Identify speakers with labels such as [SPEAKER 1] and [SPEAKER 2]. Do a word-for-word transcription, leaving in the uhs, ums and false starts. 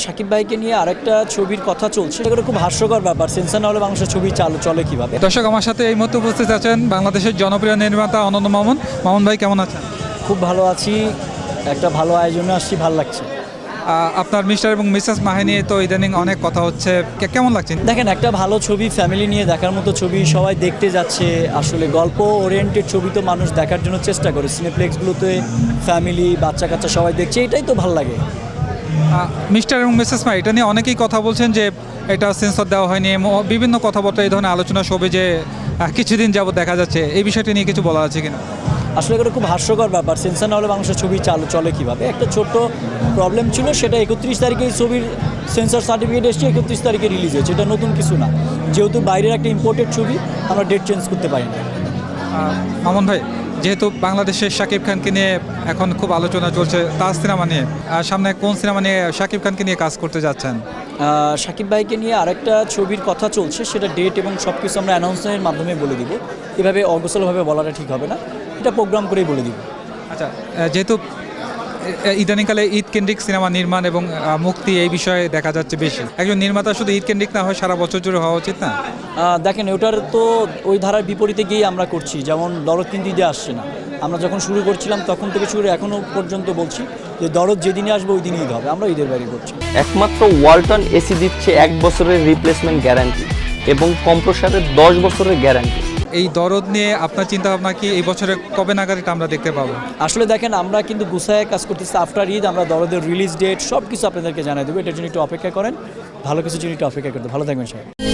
[SPEAKER 1] শাকিব ভাইকে নিয়ে আরেকটা ছবির কথা চলছে, এটা খুব হাস্যকর ব্যাপার। সেন্সর না হলে বাংলাদেশের ছবি চালু চলে কিভাবে?
[SPEAKER 2] দর্শক, আমার সাথে এই মুহূর্তে উপস্থিত আছেন বাংলাদেশের জনপ্রিয় নির্মাতা অনন্ত মামুন। মামুন ভাই, কেমন আছেন?
[SPEAKER 1] খুব ভালো আছি, একটা ভালো আয়োজনে আসছি, ভালো লাগছে।
[SPEAKER 2] আহ, আপনার মিস্টার এবং মিসেস মাহি নিয়ে তো ইদানিং অনেক কথা হচ্ছে, কে- কেমন লাগছে?
[SPEAKER 1] দেখেন, একটা ভালো ছবি, ফ্যামিলি নিয়ে দেখার মতো ছবি, সবাই দেখতে যাচ্ছে। আসলে গল্প ওরিয়েন্টেড ছবি তো মানুষ দেখার জন্য চেষ্টা করে, সিনেপ্লেক্সগুলোতে ফ্যামিলি বাচ্চা কাচ্চা সবাই দেখছে, এটাই তো ভালো লাগে।
[SPEAKER 2] আহ, মিস্টার এবং মিসেস মাহি, এটা নিয়ে অনেকেই কথা বলছেন যে এটা সেন্সর দেওয়া হয়নি, এবং বিভিন্ন কথাবার্তা এই ধরনের আলোচনা সবে যে আহ, কিছুদিন যাবত দেখা যাচ্ছে, এই বিষয়টি নিয়ে কিছু বলা আছে কিনা?
[SPEAKER 1] আসলে এটা খুব হাস্যকর ব্যাপার। সেন্সর না হলে বাংলাদেশের ছবি চালু চলে কিভাবে? একটা ছোট্ট প্রবলেম ছিল, সেটা একত্রিশ তারিখে এই ছবির সেন্সর সার্টিফিকেট এসছে, একত্রিশ তারিখে রিলিজ হয়েছে। এটা নতুন কিছু না, যেহেতু বাইরের একটা ইম্পোর্টেড ছবি, আমরা ডেট চেঞ্জ করতে পারি না।
[SPEAKER 2] আহ, মামুন ভাই, যেহেতু বাংলাদেশের শাকিব খানকে নিয়ে এখন খুব আলোচনা চলছে তার সিনেমা নিয়ে, আর সামনে কোন সিনেমা নিয়ে শাকিব খানকে নিয়ে কাজ করতে যাচ্ছেন?
[SPEAKER 1] আহ, শাকিব ভাইকে নিয়ে আরেকটা ছবির কথা চলছে, সেটা ডেট এবং সব কিছু আমরা অ্যানাউন্সমেন্টের মাধ্যমে বলে দিব। এভাবে অগোছলভাবে বলাটা ঠিক হবে না, এটা প্রোগ্রাম করেই বলে দিব।
[SPEAKER 2] আচ্ছা, আহ, যেহেতু এ- ইদানিংকালে ঈদ কেন্দ্রিক সিনেমা নির্মাণ এবং আহ, মুক্তি এই বিষয়ে দেখা যাচ্ছে বেশি, একজন নির্মাতা শুধু ঈদ কেন্দ্রিক না হয় সারা বছর জুড়ে হওয়া উচিত না?
[SPEAKER 1] আহ, দেখেন, ওটার তো ওই ধারার বিপরীতে গিয়েই আমরা করছি। যেমন দরদ কিন্তু ঈদে আসছে না, আমরা যখন শুরু করছিলাম তখন থেকে শুরু এখনও পর্যন্ত বলছি যে দরদ যেদিনই আসবে ওই দিনই ঈদ হবে, আমরা ঈদের বাইরে করছি।
[SPEAKER 3] একমাত্র ওয়ালটন এসি দিচ্ছে এক বছরের রিপ্লেসমেন্ট গ্যারান্টি এবং কম্প্রসারের দশ বছরের গ্যারান্টি।
[SPEAKER 2] এই দরদ নিয়ে আপনার চিন্তা ভাবনা কি, এই বছরে কবে নাগাদ এটা আমরা দেখতে পাবো?
[SPEAKER 1] আসলে দেখেন, আমরা কিন্তু গুছায় কাজ করতেছি। আফটার ঈদ আমরা দরদের রিলিজ ডেট সব কিছু আপনাদেরকে জানাই দেবো, এটার জন্য একটু অপেক্ষা করেন। ভালো কিছু জন্য একটু অপেক্ষা করতে, ভালো থাকবেন সবাই।